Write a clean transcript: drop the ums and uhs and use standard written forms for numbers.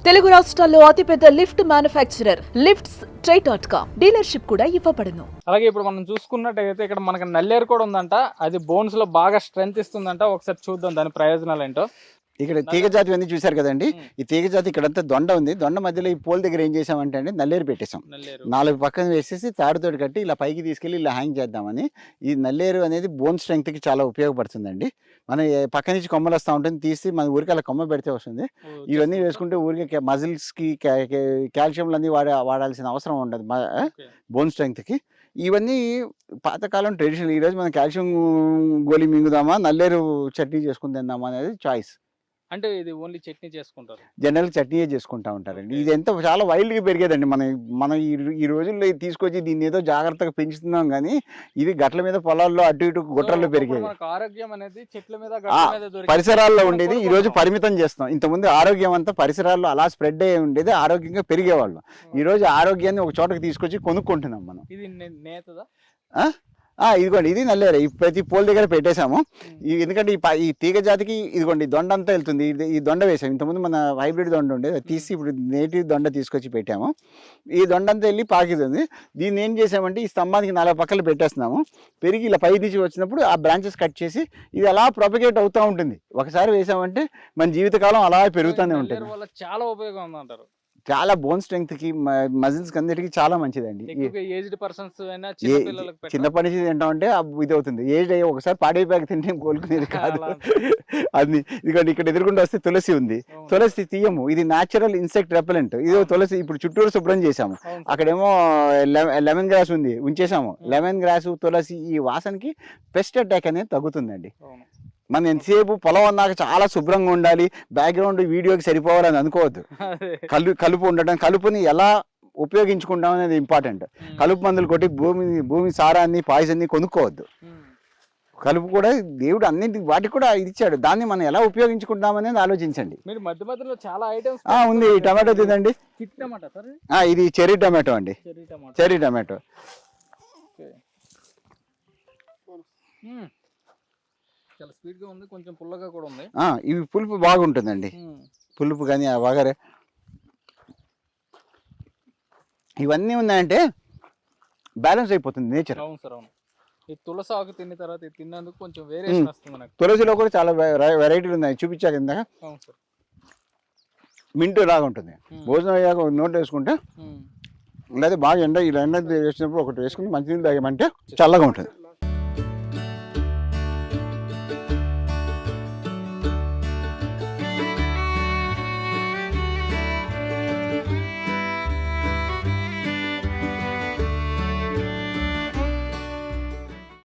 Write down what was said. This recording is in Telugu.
తెలుగు రాష్ట్రాల్లో అతిపెద్ద లిఫ్ట్ మ్యానుఫ్యాక్చరర్ లిఫ్ట్స్ ట్రై.com డీలర్షిప్ కూడా ఇవ్వబడును. అలాగే ఇప్పుడు మనం చూసుకున్నట్టయితే ఇక్కడ మనకి నల్లేరు కూడా ఉందంట. అది బోన్స్ లో బాగా స్ట్రెంత్ ఇస్తుందంట. ఒకసారి చూద్దాం దాని ప్రయోజనాలు ఏంటో. ఇక్కడ తీగ జాతి అన్ని చూసారు కదండి. ఈ తీగ జాతి ఇక్కడంతా దొండ ఉంది. దొండ మధ్యలో ఈ పోల్ దగ్గర ఏం చేసామంటే అండి నల్లేరు పెట్టేశాం. 4 పక్కన వేసేసి తాడుతోటి కట్టి ఇలా పైకి తీసుకెళ్ళి ఇలా హ్యాంగ్ చేద్దామని. ఈ నల్లేరు అనేది బోన్ స్ట్రెంగ్త్ కి చాలా ఉపయోగపడుతుందండి. మనం పక్క నుంచి కొమ్మలు వస్తూ ఉంటుంది, తీసి మన ఊరికి అలా కొమ్మ పెడితే వస్తుంది. ఇవన్నీ వేసుకుంటే ఊరికి మజిల్స్ కి కాల్షియంలు అన్ని వాడాల్సిన అవసరం ఉండదు బోన్ స్ట్రెంగ్త్ కి. ఇవన్నీ పాతకాలం ట్రెడిషనల్. ఈరోజు మనం కాల్షియం గోళీ మింగుదామా నల్లేరు చట్నీ చేసుకుని తిందామా అనేది చాయిస్. అంటే ఇది ఓన్లీ చట్నీ చేసుకుంటారు, జనరల్ చట్నీయే చేసుకుంటా ఉంటారండి. ఇది ఎంత చాలా వైల్డ్గా పెరిగేదండి. మనం ఈ రోజుల్లో తీసుకొచ్చి దీన్ని ఏదో జాగ్రత్తగా పెంచుతున్నాం కానీ ఇది గట్ల మీద పొలాల్లో అటు ఇటు గుట్రల్లో పెరిగేది. ఆరోగ్యం అనేది చెట్ల మీద పరిసరాల్లో ఉండేది. ఈ రోజు పరిమితం చేస్తాం. ఇంతకుముందు ఆరోగ్యం అంతా పరిసరాల్లో అలా స్ప్రెడ్ అయ్యి ఉండేది, ఆరోగ్యంగా పెరిగేవాళ్ళం. ఈ రోజు ఆరోగ్యాన్ని ఒక చోటకి తీసుకొచ్చి కొనుక్కుంటున్నాం మనం. ఇది నేతదా? ఇదిగోండి ఇది నల్లేరు. ప్రతి పోల్ దగ్గర పెట్టేశాము. ఎందుకంటే ఈ తీగ జాతికి ఇదిగోండి దొండ అంతా వెళ్తుంది. ఈ దొండ వేసాము. ఇంతకుముందు మన హైబ్రిడ్ దొండ ఉండేది, అది తీసి ఇప్పుడు నేటివ్ దొండ తీసుకొచ్చి పెట్టాము. ఈ దొండ అంతా వెళ్ళి పాకితుంది. దీన్ని ఏం చేసామంటే ఈ స్తంభానికి 4 పక్కలు పెట్టేస్తున్నాము. పెరిగి ఇలా పై నుంచి వచ్చినప్పుడు ఆ బ్రాంచెస్ కట్ చేసి ఇది అలా ప్రొపగేట్ అవుతూ ఉంటుంది. ఒకసారి వేసామంటే మన జీవితకాలం అలా పెరుగుతూనే ఉంటుంది. చాలా ఉపయోగం ఉందంటారు. చాలా బోన్ స్ట్రెంగ్త్ కి మజిల్స్ అన్నిటికీ చాలా మంచిదండి. చిన్నప్పటి నుంచి తింటామంటే ఇది అవుతుంది. ఏజ్ అయ్యి ఒకసారి పాడైపోయాక తింటే కోలుకునేది కాదు అది. ఇదిగోండి ఇక్కడ ఎదురుకుండా వస్తే తులసి ఉంది. తులసి తీయము, ఇది న్యాచురల్ ఇన్సెక్ట్ రెపెలెంట్. ఇది తులసి ఇప్పుడు చుట్టూరు శుభ్రం చేసాము. అక్కడేమో లెమన్ గ్రాస్ ఉంది, ఉంచేసాము. లెమన్ గ్రాస్ తులసి ఈ వాసనకి పెస్ట్ అటాక్ అనేది తగ్గుతుందండి. మనం ఎంతసేపు పొలం అన్నాక చాలా శుభ్రంగా ఉండాలి, బ్యాక్గ్రౌండ్ వీడియోకి సరిపోవాలని అనుకోవద్దు. కలుపు ఉండటం, కలుపుని ఎలా ఉపయోగించుకుంటాం అనేది ఇంపార్టెంట్. కలుపు మందులు కొట్టి భూమి సారాన్ని పాయిజన్ని కొనుక్కోవద్దు. కలుపు కూడా దేవుడు అన్నింటి వాటికి కూడా ఇచ్చాడు. దాన్ని మనం ఎలా ఉపయోగించుకుంటాం అనేది ఆలోచించండి. ఉంది టమాటో తినండి. ఇది చెర్రీ టమాటో అండి. చెర్రీ టమాటో చాలా స్వీట్ గా ఉంది, కొంచెం పుల్లగా కూడా ఉంది. ఇవి పులుపు బాగుంటుందండి. పులుపు కానీ ఆ వగరే ఇవన్నీ ఉన్నాయంటే బ్యాలెన్స్ అయిపోతుంది నేచర్. అవును సార్, అవును. ఈ తులసి ఆకు తిన్న తర్వాత తిన్నందుకు కొంచెం వేరియేషన్ వస్తుంది నాకు. తులసిలో కూడా చాలా వెరైటీలు ఉన్నాయి, చూపించాక ఇందాక. అవును సార్. మింటు లాగా ఉంటుంది. భోజనం అయ్యాక నోట్ వేసుకుంటే లేదా బాగా ఎండ వేసినప్పుడు ఒకటి వేసుకుని మంచినీళ్ళు తాగామంటే చల్లగా ఉంటుంది.